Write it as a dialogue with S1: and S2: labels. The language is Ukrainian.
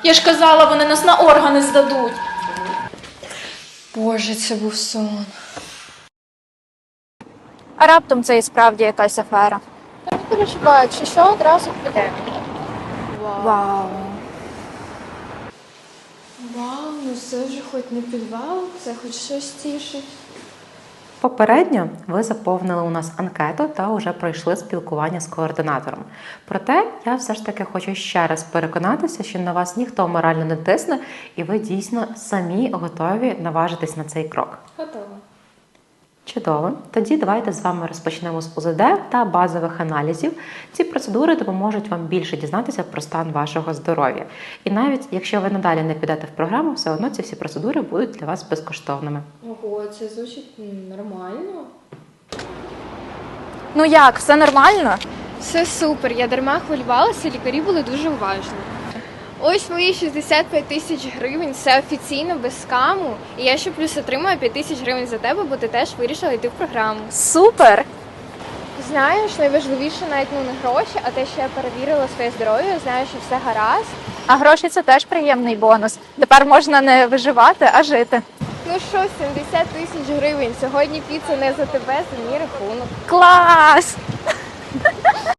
S1: Я ж казала, вони нас на органи здадуть.
S2: Боже, це був сон.
S3: А раптом це і справді якась афера.
S2: Не переживай, якщо що, одразу підемо.
S3: Вау.
S2: Вау, ну це вже хоч не підвал, це хоч щось тішить.
S4: Попередньо ви заповнили у нас анкету та вже пройшли спілкування з координатором. Проте я все ж таки хочу ще раз переконатися, що на вас ніхто морально не тисне і ви дійсно самі готові наважитись на цей крок.
S2: Готово.
S4: Чудово. Тоді давайте з вами розпочнемо з УЗД та базових аналізів. Ці процедури допоможуть вам більше дізнатися про стан вашого здоров'я. І навіть якщо ви надалі не підете в програму, все одно ці всі процедури будуть для вас безкоштовними.
S2: Ого, це звучить нормально.
S3: Ну як, все нормально?
S2: Все супер, я дарма хвилювалася, лікарі були дуже уважні. Ось мої 65 тисяч гривень, це офіційно, без скаму. І я ще плюс отримую 5 тисяч гривень за тебе, бо ти теж вирішила йти в програму.
S3: Супер!
S2: Знаєш, найважливіше навіть не гроші, а те, що я перевірила своє здоров'я, знаю, що все гаразд.
S3: А гроші – це теж приємний бонус. Тепер можна не виживати, а жити.
S2: Ну що, 70 тисяч гривень, сьогодні піца не за тебе, за мій рахунок.
S3: Клас!